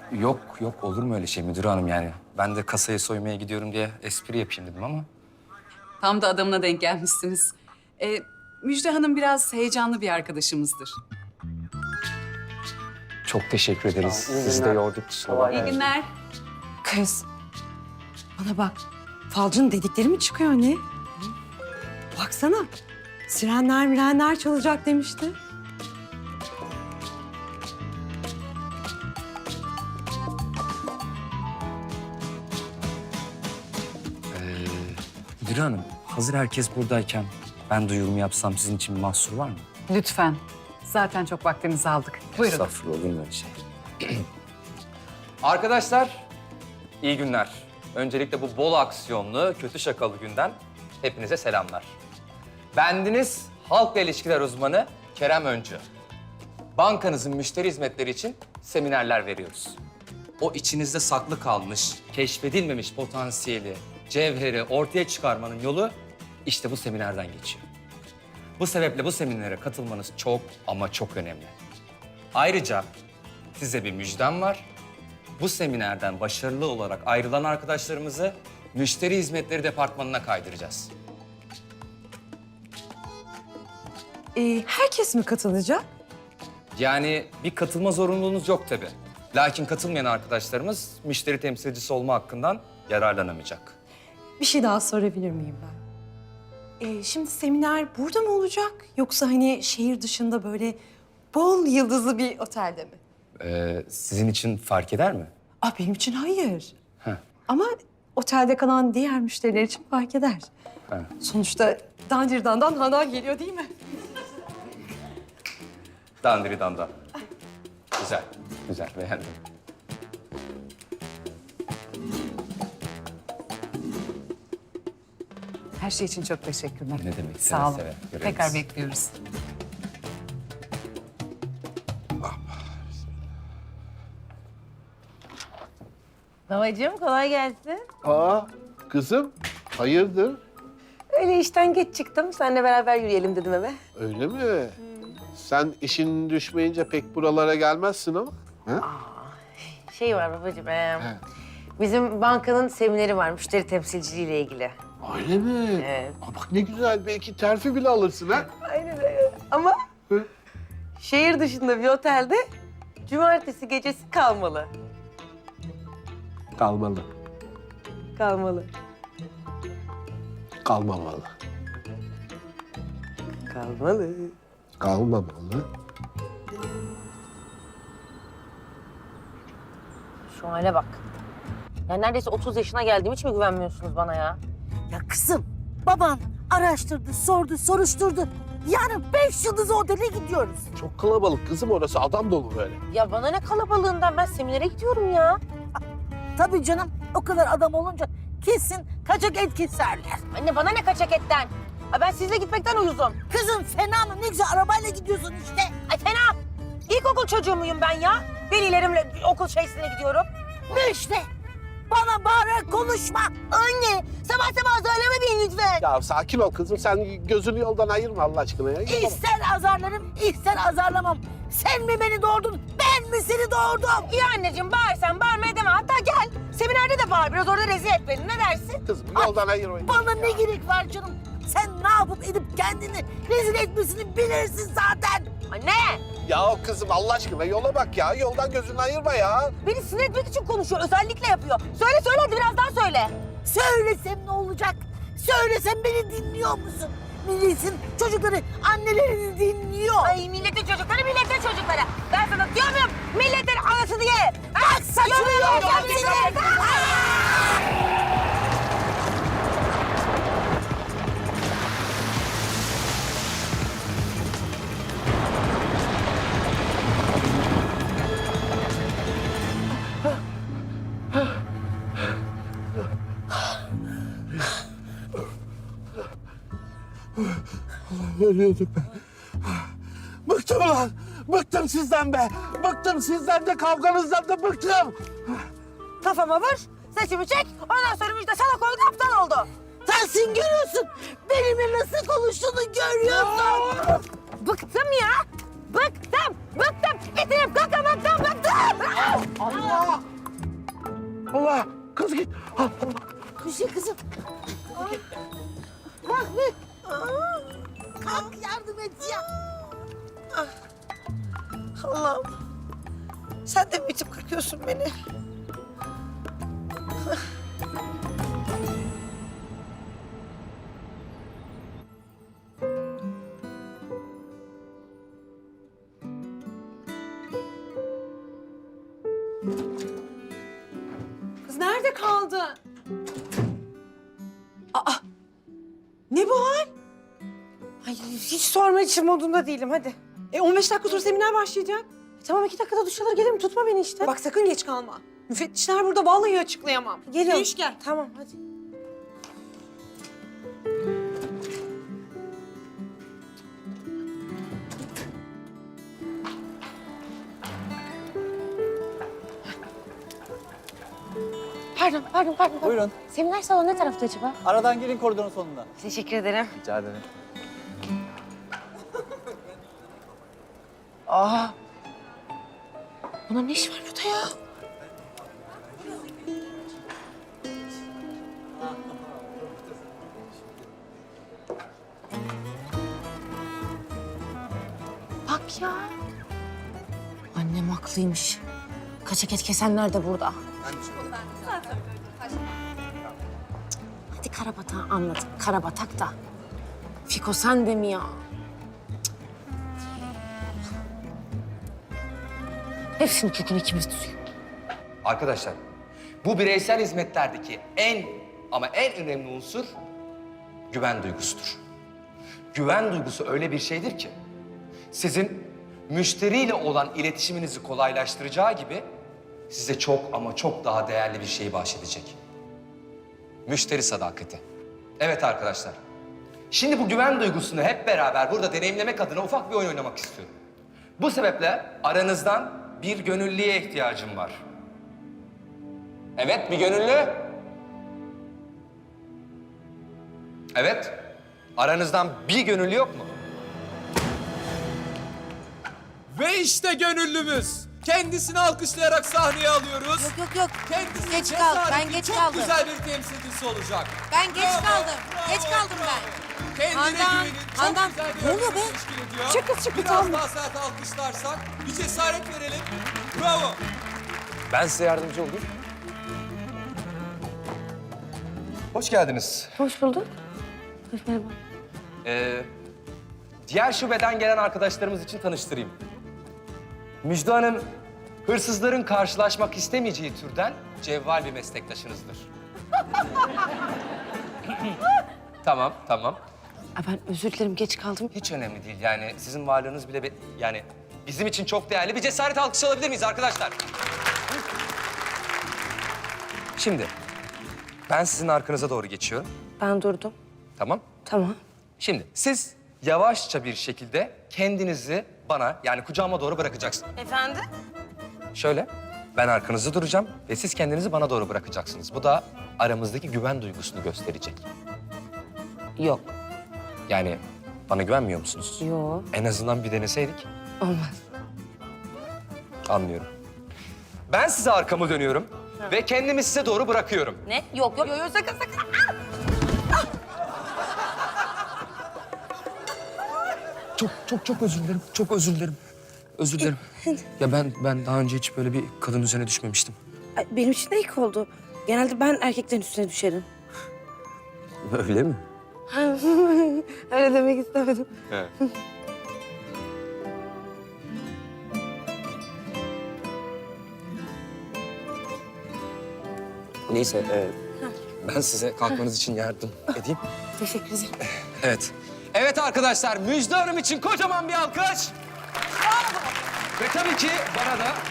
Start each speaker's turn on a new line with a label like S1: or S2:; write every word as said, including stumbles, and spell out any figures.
S1: Yok yok olur mu öyle şey müdür hanım yani? Ben de kasayı soymaya gidiyorum diye espri yapayım dedim ama.
S2: Tam da adamına denk gelmişsiniz. Ee, Müjde Hanım biraz heyecanlı bir arkadaşımızdır.
S1: Çok teşekkür ederiz. Sizi de yorduk. kusura
S2: İyi
S1: bakmayın.
S2: günler.
S3: Kız, bana bak. Falcının dedikleri mi çıkıyor ne? Baksana, sirenler mirenler çalacak demişti.
S1: Ee, müdür hanım hazır herkes buradayken ben duyurumu yapsam sizin için bir mahsur var mı?
S2: Lütfen. Zaten çok vaktinizi aldık. Buyurun.
S1: Estağfurullah olur mu öyle şey? Arkadaşlar iyi günler. Öncelikle bu bol aksiyonlu, kötü şakalı günden hepinize selamlar. Bendeniz halkla ilişkiler uzmanı Kerem Öncü. Bankanızın müşteri hizmetleri için seminerler veriyoruz. O içinizde saklı kalmış, keşfedilmemiş potansiyeli, cevheri ortaya çıkarmanın yolu işte bu seminerden geçiyor. Bu sebeple bu seminere katılmanız çok ama çok önemli. Ayrıca size bir müjdem var. Bu seminerden başarılı olarak ayrılan arkadaşlarımızı müşteri hizmetleri departmanına kaydıracağız.
S3: Ee, herkes mi katılacak?
S1: Yani bir katılma zorunluluğunuz yok tabii. Lakin katılmayan arkadaşlarımız müşteri temsilcisi olma hakkından yararlanamayacak.
S3: Bir şey daha sorabilir miyim ben? Ee, şimdi seminer burada mı olacak? Yoksa hani şehir dışında böyle bol yıldızlı bir otelde mi?
S1: Ee, sizin için fark eder mi?
S3: Aa, benim için hayır.
S1: Heh.
S3: Ama otelde kalan diğer müşteriler için fark eder.
S1: Heh.
S3: Sonuçta dandirdandan hana geliyor değil mi?
S1: Dandiri danda. Güzel, güzel beğendim.
S2: Her şey için çok teşekkürler.
S1: Ne demek, seve
S2: Sağ olun.
S1: seve. Görevimiz.
S2: Tekrar bekliyoruz.
S4: Babacığım kolay gelsin.
S5: Aa, kızım, hayırdır?
S4: Öyle işten geç çıktım. Seninle beraber yürüyelim dedim eve.
S5: Öyle mi? Sen işin düşmeyince pek buralara gelmezsin ama. Ha?
S4: Şey var babacığım. ee, bizim bankanın semineri var müşteri temsilciliğiyle ilgili.
S5: Öyle mi?
S4: Evet.
S5: Aa, bak ne güzel, belki terfi bile alırsın ha.
S4: Aynen öyle. Ama
S5: Hı?
S4: şehir dışında bir otelde cumartesi gecesi kalmalı.
S5: Kalmalı,
S4: Kalmalı.
S5: kalmamalı.
S4: Kalmalı.
S5: Kalmamalı.
S4: Şu hale bak. Ya neredeyse otuz yaşına geldiğim hiç mi güvenmiyorsunuz bana ya?
S6: Ya kızım, baban araştırdı, sordu, soruşturdu. Yarın beş yıldız otele gidiyoruz.
S5: Çok kalabalık kızım orası, adam dolu böyle.
S4: Ya bana ne kalabalığından, ben seminere gidiyorum ya.
S6: Tabii canım, o kadar adam olunca kesin kaçak et keserler.
S4: Anne bana ne kaçak etten? Ay ben sizle gitmekten uyuzum.
S6: Kızım fena mı? Ne güzel arabayla gidiyorsun işte.
S4: Ay fena. İlkokul çocuğu muyum ben ya? Velilerimle okul şeysine gidiyorum.
S6: Ne işte? Bana bağırarak konuşma.
S4: Anne sabah sabah söyleme beni lütfen.
S5: Ya sakin ol kızım, sen gözünü yoldan ayırma Allah aşkına ya.
S6: İster azarlarım, ister azarlamam. Sen mi beni doğurdun, ben mi seni doğurdum?
S4: İyi anneciğim bağırsan bağırmaya deme. Hatta gel seminerde de bağır biraz orada rezil et beni. Ne dersin?
S5: Kızım yoldan ayırmayın.
S6: Bana ne gerek var canım? Sen ne yapıp edip kendini rezil etmesini bilirsin zaten.
S4: Anne
S5: Ya kızım Allah aşkına yola bak ya, yoldan gözünü ayırma ya.
S4: beni sinir etmek için konuşuyor. Özellikle yapıyor. Söyle söyle hadi biraz daha söyle.
S6: Söylesem ne olacak? Söylesem beni dinliyor musun? Milletin çocukları annelerini dinliyor.
S4: Ay milletin çocukları milletin çocukları. Ben sana diyor muyum? Milletin anasını ye.
S6: Bak saçmalıyor.
S5: Ölüyordum ben. Bıktım ulan. Bıktım sizden be. Bıktım sizden de, kavganızdan da bıktım.
S4: Kafama vur, saçımı çek. Ondan sonra Müjde salak oldu, aptal oldu.
S6: Sensin görüyorsun. Benimle nasıl konuştuğunu görüyorsun.
S4: Bıktım ya. Bıktım, bıktım. Bitirip kakamaktan bıktım.
S5: Allah! Allah. Kız git. Allah.
S6: Müjde kızım. Kalk be. Kalk yardım et ya.
S3: Allah'ım. Sen de mi bitip kakıyorsun beni? Kız nerede kaldı? Aa! Ne bu hal? Ay hiç sorma için modunda değilim hadi. E on beş dakika sonra seminer başlayacak. E, tamam iki dakikada duş alır gelirim tutma beni işte. Bak sakın geç kalma. Müfettişler burada vallahi açıklayamam. Geliyorum. Yürüyüş gel. Tamam hadi.
S4: Pardon, pardon, pardon. pardon.
S7: Buyurun.
S4: Seminer salonu ne tarafta acaba?
S7: Aradan girin koridorun sonunda.
S4: Teşekkür ederim.
S7: Rica ederim.
S4: Aa! Bunun ne işi var burada ya? Bak ya. Annem haklıymış. Kaçak et kesenler de burada. Hadi Karabatak'ı anladık. Karabatak da. Fiko sen de mi ya? Hepsinin kökünü ikimiz tutuyor.
S1: Arkadaşlar, bu bireysel hizmetlerdeki en ama en önemli unsur güven duygusudur. Güven duygusu öyle bir şeydir ki sizin müşteriyle olan iletişiminizi kolaylaştıracağı gibi size çok ama çok daha değerli bir şeyi bahşedecek. Müşteri sadakati. Evet arkadaşlar, şimdi bu güven duygusunu hep beraber burada deneyimlemek adına ufak bir oyun oynamak istiyorum. Bu sebeple aranızdan bir gönüllüye ihtiyacım var. Evet, bir gönüllü. Evet, aranızdan bir gönüllü yok mu?
S8: Ve işte gönüllümüz. Kendisini alkışlayarak sahneye alıyoruz.
S9: Yok yok yok.
S8: Kendisi
S9: Geç kaldım, ben
S8: cesaretin
S9: geç
S8: çok
S9: kaldım.
S8: güzel bir temsilcisi olacak.
S9: Ben geç
S8: Bravo,
S9: kaldım.
S8: bravo,
S9: Geç kaldım
S8: bravo.
S9: ben.
S8: Kendine
S9: Handan,
S8: güvenin. Çok
S9: Handan,
S8: güzel bir
S9: ne oluyor
S8: örnek
S9: be?
S8: teşkil ediyor.
S3: Çık kız, çık kız,
S8: Biraz
S3: tamam.
S8: daha sert alkışlarsak bir cesaret verelim. Bravo.
S1: Ben size yardımcı olayım. Hoş geldiniz.
S4: Hoş bulduk. Hoş merhaba.
S1: Ee, diğer şubeden gelen arkadaşlarımız için tanıştırayım. Müjde Hanım, hırsızların karşılaşmak istemeyeceği türden cevval bir meslektaşınızdır. Tamam, tamam.
S4: Aa, ben özür dilerim geç kaldım.
S1: Hiç önemli değil yani sizin varlığınız bile be- yani bizim için çok değerli. Bir cesaret alkışı alabilir miyiz arkadaşlar? Şimdi ben sizin arkanıza doğru geçiyorum.
S4: Ben durdum.
S1: Tamam.
S4: Tamam.
S1: Şimdi siz yavaşça bir şekilde kendinizi bana yani kucağıma doğru bırakacaksınız.
S9: Efendim?
S1: Şöyle ben arkanızda duracağım ve siz kendinizi bana doğru bırakacaksınız. Bu da aramızdaki güven duygusunu gösterecek.
S4: Yok.
S1: Yani bana güvenmiyor musunuz?
S4: Yok.
S1: En azından bir deneseydik.
S4: Olmaz.
S1: Anlıyorum. Ben size arkamı dönüyorum ve kendimi size doğru bırakıyorum.
S9: Ne? Yok yok. Yok yok sakın sakın.
S1: Çok çok çok özür dilerim. Çok özür dilerim. Özür dilerim. Ya ben ben daha önce hiç böyle bir kadın üzerine düşmemiştim.
S10: Ay, benim için de ilk oldu. Genelde ben erkeklerin üstüne düşerim.
S1: Öyle mi?
S10: Öyle demek istemedim.
S1: Evet. Neyse, e, ben size kalkmanız için yardım edeyim.
S10: Teşekkür ederim.
S1: Evet. Evet arkadaşlar, Müjde Hanım için kocaman bir alkış. Ve tabii ki bana da